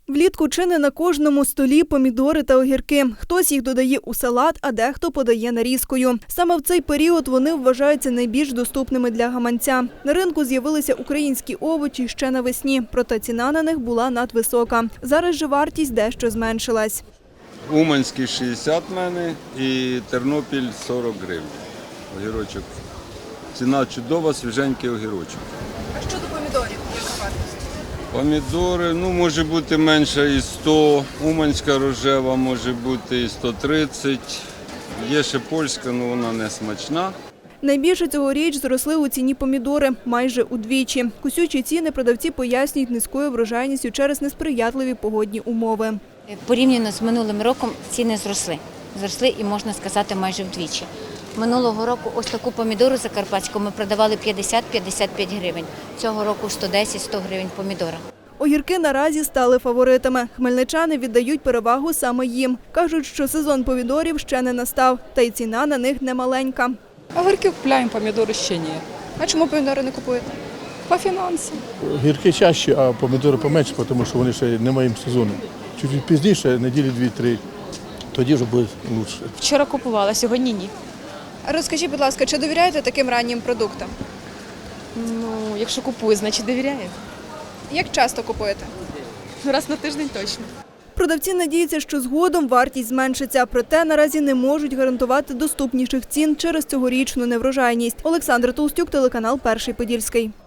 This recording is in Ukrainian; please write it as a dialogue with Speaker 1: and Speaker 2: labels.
Speaker 1: Влітку чи не на кожному столі помідори та огірки. Хтось їх додає у салат, а дехто подає нарізкою. Саме в цей період вони вважаються найбільш доступними для гаманця. На ринку з'явилися українські овочі ще навесні, проте ціна на них була надвисока. Зараз же вартість дещо зменшилась.
Speaker 2: Уманський 60 в мене і Тернопіль 40 гривень. Огірочок. Ціна чудова, свіженький огірочок.
Speaker 1: А щодо помідорів, яка вартість?
Speaker 2: Помідори, може бути менше і 100, уманська рожева може бути і 130. Є ще польська, але вона не смачна.
Speaker 1: Найбільше цьогоріч зросли у ціні помідори – майже удвічі. Кусючі ціни продавці пояснюють низькою врожайністю через несприятливі погодні умови.
Speaker 3: Порівняно з минулим роком ціни зросли. Зросли і, можна сказати, майже вдвічі. Минулого року ось таку помідору закарпатську ми продавали 50-55 гривень. Цього року 110-100 гривень помідора.
Speaker 1: Огірки наразі стали фаворитами. Хмельничани віддають перевагу саме їм. Кажуть, що сезон помідорів ще не настав, та й ціна на них немаленька.
Speaker 4: Огірки купуємо, помідори ще ні.
Speaker 1: А чому помідори не купуєте?
Speaker 4: По фінансам.
Speaker 5: Гірки чаще, а помідори поменше, тому що вони ще не мають сезону. Чуть пізніше, неділі 2-3, тоді вже буде краще.
Speaker 6: Вчора купувала, сьогодні ні.
Speaker 1: Розкажіть, будь ласка, чи довіряєте таким раннім продуктам?
Speaker 6: Якщо купую, значить довіряю.
Speaker 1: Як часто купуєте?
Speaker 6: Раз на тиждень точно.
Speaker 1: Продавці надіються, що згодом вартість зменшиться, проте наразі не можуть гарантувати доступніших цін через цьогорічну неврожайність. Олександра Толстюк, телеканал «Перший Подільський».